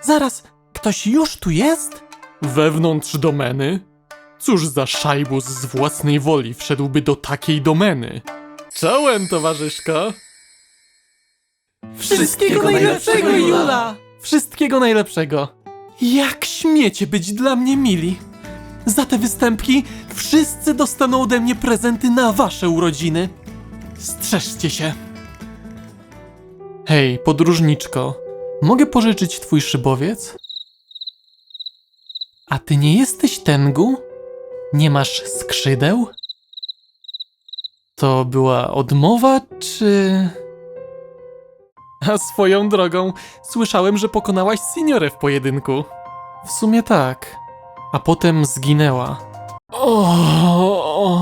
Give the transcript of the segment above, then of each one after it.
Zaraz, ktoś już tu jest? Wewnątrz domeny? Cóż za szajbus z własnej woli wszedłby do takiej domeny? Czołem, towarzyszko! Wszystkiego najlepszego, Jula! Wszystkiego najlepszego! Jak śmiecie być dla mnie mili? Za te występki wszyscy dostaną ode mnie prezenty na wasze urodziny. Strzeżcie się! Hej, podróżniczko, mogę pożyczyć twój szybowiec? A ty nie jesteś Tengu? Nie masz skrzydeł? To była odmowa, czy... A swoją drogą, słyszałem, że pokonałaś Signorę w pojedynku. W sumie tak. A potem zginęła. O,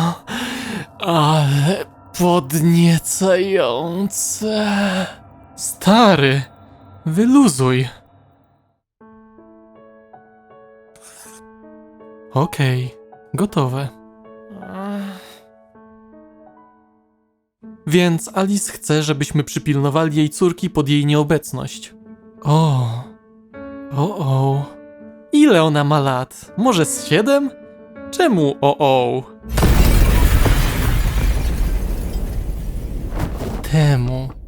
ale podniecające. Stary, wyluzuj. Okej, gotowe. Więc Alice chce, żebyśmy przypilnowali jej córki pod jej nieobecność. O. Ile ona ma lat? Może z 7? Czemu o? Temu